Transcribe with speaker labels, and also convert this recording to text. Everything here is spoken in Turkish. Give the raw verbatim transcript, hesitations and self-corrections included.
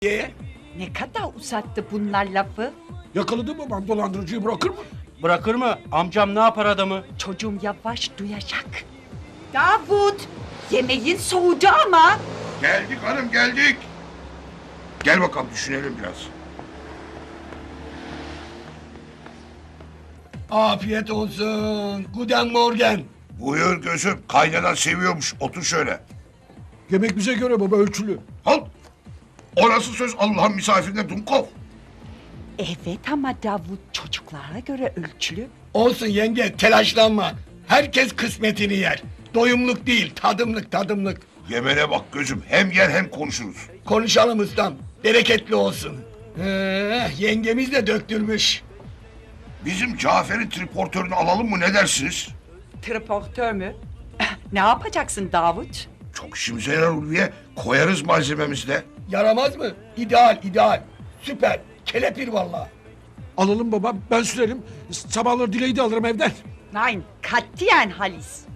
Speaker 1: Ye.
Speaker 2: Ne kadar uzattı bunlar lafı?
Speaker 1: Yakaladı babam dolandırıcıyı bırakır mı?
Speaker 3: Bırakır mı? Amcam ne yapar adamı?
Speaker 2: Çocuğum yavaş duyacak. Davut, yemeğin soğudu ama.
Speaker 4: Geldik hanım geldik. Gel bakalım düşünelim biraz.
Speaker 1: Afiyet olsun. Guten Morgen.
Speaker 4: Buyur gözüm kaynanan seviyormuş otur şöyle.
Speaker 1: Yemek bize göre baba ölçülü.
Speaker 4: Al. O nasıl söz Allah'ın misafirine Dumkov.
Speaker 2: Evet ama Davut çocuklara göre ölçülü.
Speaker 1: Olsun yenge telaşlanma. Herkes kısmetini yer. Doyumluk değil tadımlık tadımlık.
Speaker 4: Yemene bak gözüm hem yer hem konuşuruz.
Speaker 1: Konuşalım ustam. Bereketli olsun. Ee, yengemiz de döktürmüş.
Speaker 4: Bizim Cafer'in triportörünü alalım mı ne dersiniz?
Speaker 2: Transportör mü? Ne yapacaksın Davut?
Speaker 4: Çok işimize yarar Ulviye. Koyarız malzememizi de.
Speaker 1: Yaramaz mı? İdeal ideal. Süper. Kelepir vallahi.
Speaker 5: Alalım baba, ben sürerim. Sabahları Dileği de alırım evden.
Speaker 2: Nein, katiyen Halis.